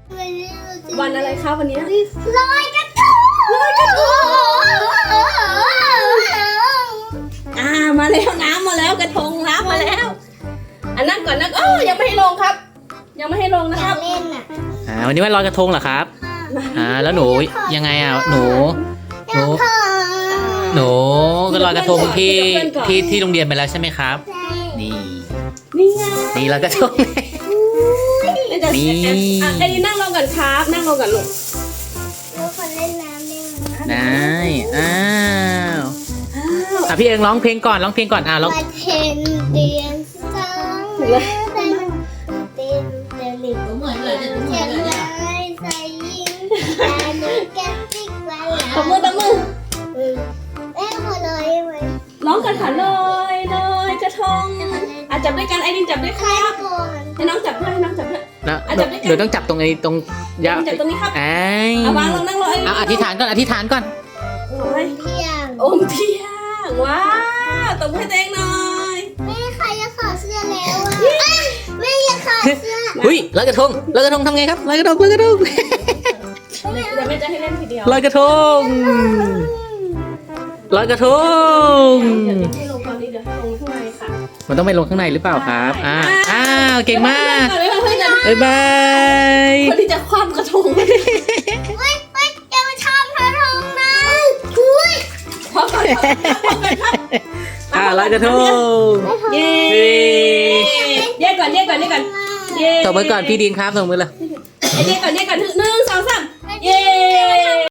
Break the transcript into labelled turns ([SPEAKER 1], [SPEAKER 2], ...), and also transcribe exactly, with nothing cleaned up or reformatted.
[SPEAKER 1] วันอะไรคะวันนี้
[SPEAKER 2] ลอยกระทงลอยกระทง
[SPEAKER 1] อ่ามาแล้วน้ำมาแล้วกระทงน้ำมาแล้วอันนั่งก่อนนั่งโอ้ยังไม่ให้ลงครับ ยังไม่ให้ลงนะ
[SPEAKER 2] อ
[SPEAKER 1] ค
[SPEAKER 2] ยา
[SPEAKER 1] รั
[SPEAKER 2] ก
[SPEAKER 1] บ
[SPEAKER 2] เล่นอ่ะ
[SPEAKER 3] อ่าวันนี้วันลอยกระทงเหรอครับอ่าแล้วหนูยังไงอ่ะหนูหนูหนูก็ลอยกระทงที่ที่ที่โรงเรียนไปแล้วใช่ไหมครับ
[SPEAKER 2] ใช่
[SPEAKER 3] นี่
[SPEAKER 1] นี่ไง
[SPEAKER 3] นี่ลอยกระทง นี่
[SPEAKER 1] อ่ะไอ้นี่นั่งลงก่อนครับนั่งลงก่อนลูก
[SPEAKER 2] ทุกคนเล่นน้ำได้ไหม
[SPEAKER 3] ได้อ้าว
[SPEAKER 1] อ้าว
[SPEAKER 3] อ่ะพี่เอิงร้องเพลงก่อนร้องเพลงก่อนอ่ะร้อง
[SPEAKER 2] มาเทนเดียนสองเต็มเต็มเต็มลิบ
[SPEAKER 4] เหมือนเลยจะเหมื
[SPEAKER 2] เขี
[SPEAKER 4] อย น
[SPEAKER 2] น
[SPEAKER 4] เลย
[SPEAKER 2] ไว้
[SPEAKER 4] เนี่ย
[SPEAKER 2] ใส่ยิงตาดูแก้มติ๊กไว้
[SPEAKER 1] ตบมือตบมือ
[SPEAKER 2] เอ้ยหัวลอยไว้
[SPEAKER 1] ร้องกันค่ะลอยลอยกระทงอ่ะจับด้วยกันไอ้ดินจับด้วยค
[SPEAKER 2] ใคร
[SPEAKER 1] รับ
[SPEAKER 2] ก่อน
[SPEAKER 1] ให้น้องจับด้วยให้น้องจับด้วย
[SPEAKER 3] แล้ว
[SPEAKER 1] อ่ะจับด้วยกัน
[SPEAKER 3] เดี๋ยวต้องจับตรงไอ้ตรงยา
[SPEAKER 1] จับตรงนี้ครับ
[SPEAKER 3] ไอ้
[SPEAKER 1] เอาวางลงนั่งลงไอ้
[SPEAKER 3] เอาอธิษฐานก่อนอธิษฐานก่อน
[SPEAKER 1] โอ้ย
[SPEAKER 2] เที่ยง
[SPEAKER 1] อมเที่ยงว้าวตบมือให้ตัวเองหน่อย
[SPEAKER 2] แม่ใครจะขอเสื้อแล้วอ่ะแม่อยากขอเสื้อ
[SPEAKER 3] อุ้ยลอยกระทงลอยกระทงทำไงครับลอยกระทงลอยกระทง
[SPEAKER 1] เดี๋ยวแม่จะให้เล่นทีเดียว
[SPEAKER 3] ลอยกระทงลอยกระทง
[SPEAKER 1] เดี๋ยวให้ลงตอนนี้เดี๋ยวให้ลงข้างในค่ะ
[SPEAKER 3] มันต้องไปลงข้างในหรือเปล่าครับอ่าอ้าวเก่งมาก
[SPEAKER 1] เดี๋ยวเพื่อนๆจะ
[SPEAKER 3] บ๊ายบาย
[SPEAKER 1] คนที่จะคว้ำกระทง
[SPEAKER 2] เฮ้ยเฮ้ยอย่ามาทำพระทงนะคุย
[SPEAKER 1] คว้ำกระทงคว้ำกระทง
[SPEAKER 3] อ่าลอยกระทง
[SPEAKER 1] เย้
[SPEAKER 3] เย้
[SPEAKER 1] เย้ก่อนเย้ก่อนเย้ก่อนเย้
[SPEAKER 3] ตบมือก่อนพี่ดินครับตบมือเลย
[SPEAKER 1] เย้ก่อนเย้ก่อนหนึ่งสองสามเย้